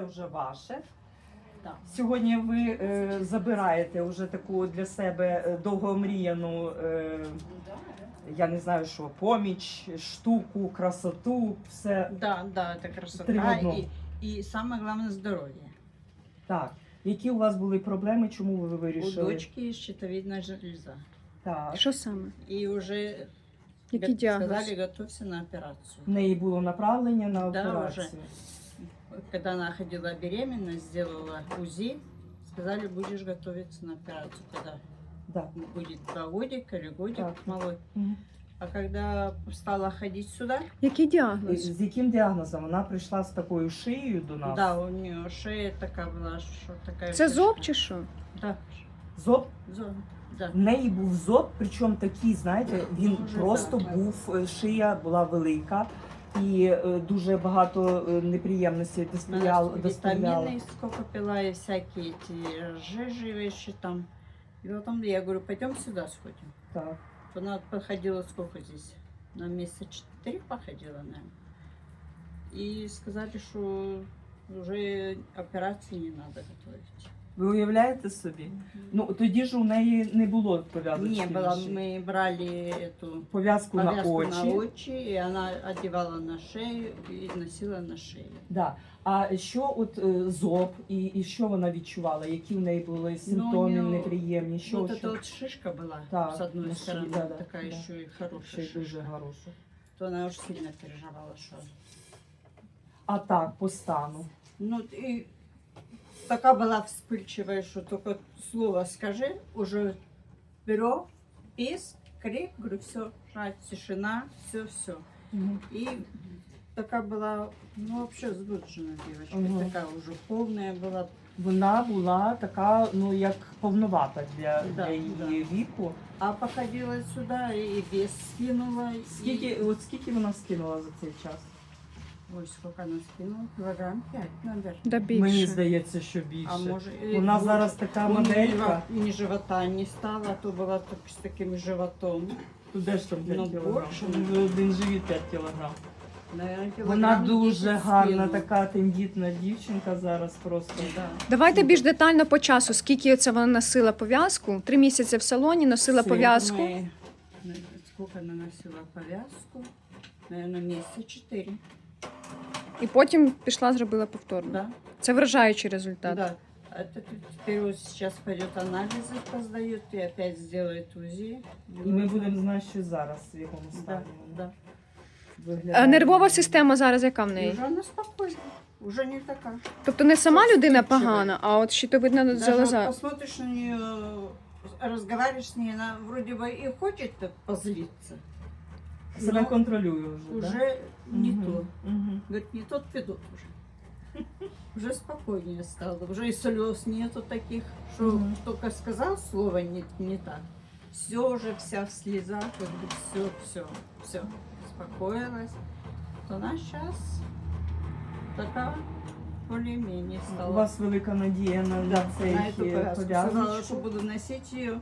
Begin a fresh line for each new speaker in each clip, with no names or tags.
вже ваше.
Да.
Сьогодні ви забираєте вже таку для себе довгомріяну, я не знаю що, поміч, штуку, красоту, все.
Да, это
Три в
красота
одному.
и самое главное здоровье.
Так. Які у вас були проблеми, чому ви
У
вирішили?
дочки щитовидная железа.
Так.
Що саме?
И уже
Який діагноз?
сказали, готовься на операцию.
В неї було направлення на
Да,
операцію.
Когда она ходила беременна, сделала УЗИ, сказали, будешь готовиться на операцию, когда
Да.
будет 2 годика или годик
Так.
малой.
Мгм.
А когда стала ходить сюда,
Який
І
діагноз?
з яким діагнозом? Вона прийшла з такою шиєю до нас?
да, у нее шея такая была, что такая.
Це
фишка.
зоб чи що?
Да,
Зоб?
зоб, да.
В неї був зоб, причому такий, знаєте, він
Дуже
просто
так.
був, шия була велика і дуже багато неприємностей доставляла.
Витамины сколько пила и всякие эти жижи вещи там. И потом я говорю, пойдем сюда сходим.
Так.
Она походила сколько здесь? На месяца 4 походила, наверное. И сказали, что уже операции не надо готовить.
Ви уявляєте собі? Ну тоді ж у неї не було пов'язочки.
Не
на
было,
шиї.
мы брали эту
Пов'язку на
повязку
очі.
на очи, и она одевала на шею и носила на шее.
Да. А що от зоб і що вона відчувала? Які в неї були симптоми
нього
неприємні? Що,
Вот
що?
эта вот шишка была,
Так,
с одной
на
стороны,
шее, да,
такая
да.
еще и
Ще
хорошая
й дуже
шишка.
хороша.
То она уж сильно переживала, что...
А так, по стану.
Ну, и такая была вспыльчивая, что только слово скажи, уже вперед, писк, крик, говорю, все, тишина, все.
Мгм.
И такая была, ну, вообще сбудженная девочка,
Мгм.
такая уже полная была.
Вона була така, ну як повновата для
Да,
її віку.
А походила сюда и вес скинула.
Скільки,
И...
от скільки вона скинула за цей час?
Ой, сколько она скинула? Килограмм 5, наверное.
Да
Мені
більше.
здається, що більше.
А может,
Вона зараз така моделька.
Ни живота не стало, а то была так, с таким животом.
Де ж там 5
Ну,
кілограм?
більше.
Один живіт 5 кілограм.
Наверное,
Вона
килограмм
дуже
10
гарна,
скинула.
така тендітна дівчинка зараз просто.
Да.
Давайте більш детально по часу. Скільки це вона носила пов'язку? 3 місяці в салоні носила
Це
пов'язку.
Мы- Сколько она носила повязку? Наверное, месяца 4.
І потім пішла, зробила повторно.
Да.
Це вражаючий результат.
Да. Это теперь вот сейчас пойдет анализы поздает и опять сделает УЗИ.
І ми будемо знати, що зараз в якому
Да,
стані
да.
вона виглядає.
А нервова система зараз яка в
И
неї?
уже она спокойна, уже не такая.
Тобто не сама людина
Вспыльчива.
погана, а от щитовидна
Даже вот
залоза.
посмотришь на нее, разговариваешь с ней, она вроде бы и хочет позлиться.
Себе
но
контролює вже.
уже не
Мгм.
то.
Мгм.
Говорит, не тот пидот уже. Уже спокойнее стало. Уже и слез нету таких, что
Мгм.
только сказал слово не так. Все уже вся в слезах, все. Успокоилась. То она сейчас такая более-менее
У
стала.
вас велика надія на цей
На эту повязку. Сказала, что
пов'язочку.
буду носить ее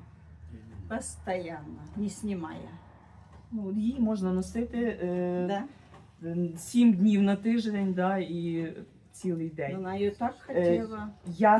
постоянно, не снимая.
Ну, її можна носити
Да?
7 днів на тиждень, да, і цілий день.
Она ее так хотела.
Як,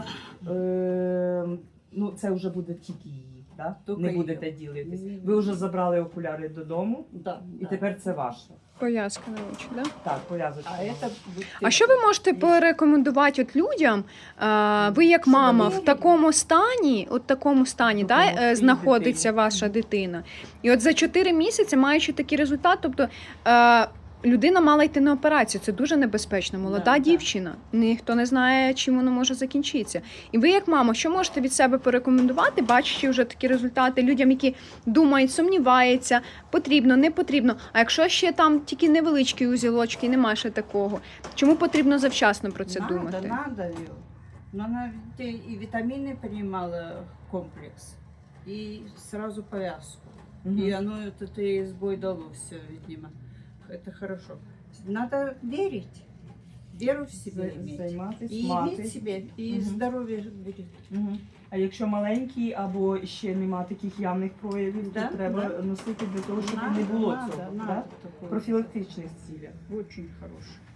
ну це вже буде тільки її, да?
Тільки
Не
її.
будете ділитись.
Ні.
Ви вже забрали окуляри додому,
Да,
і
да.
тепер це ваше.
Пов'язка на очі, да?
Так, пов'язочка.
А это
А що ви можете порекомендувати от людям? Ви як мама в такому стані,
Допомогти
знаходиться
дитині.
ваша дитина. І от за 4 місяці, маючи такий результат, тобто людина мала йти на операцію. Це дуже небезпечно. Молода
Да,
дівчина. Ніхто не знає, чим воно може закінчитися. І ви, як мама, що можете від себе порекомендувати, бачачи вже такі результати людям, які думають, сумніваються, потрібно, не потрібно. А якщо ще там тільки невеличкі узілочки, немає ще такого, чому потрібно завчасно про це думати?
Надо ее. Но она ведь и витамины принимала комплекс, и сразу повязку.
Мгм.
И оно это ей сбой дало все, видимо. Это хорошо. Надо верить. Веру в себя иметь.
Займатися,
И иметь себе, и
Мгм.
здоровье берет.
Мгм. А якщо маленький або ще нема таких явних проявів,
Да,
то треба
да.
носити для того, щоб
Надо,
не було
надо,
цього.
надо
Да?
такое.
Профілактичних цілях.
Очень хороший.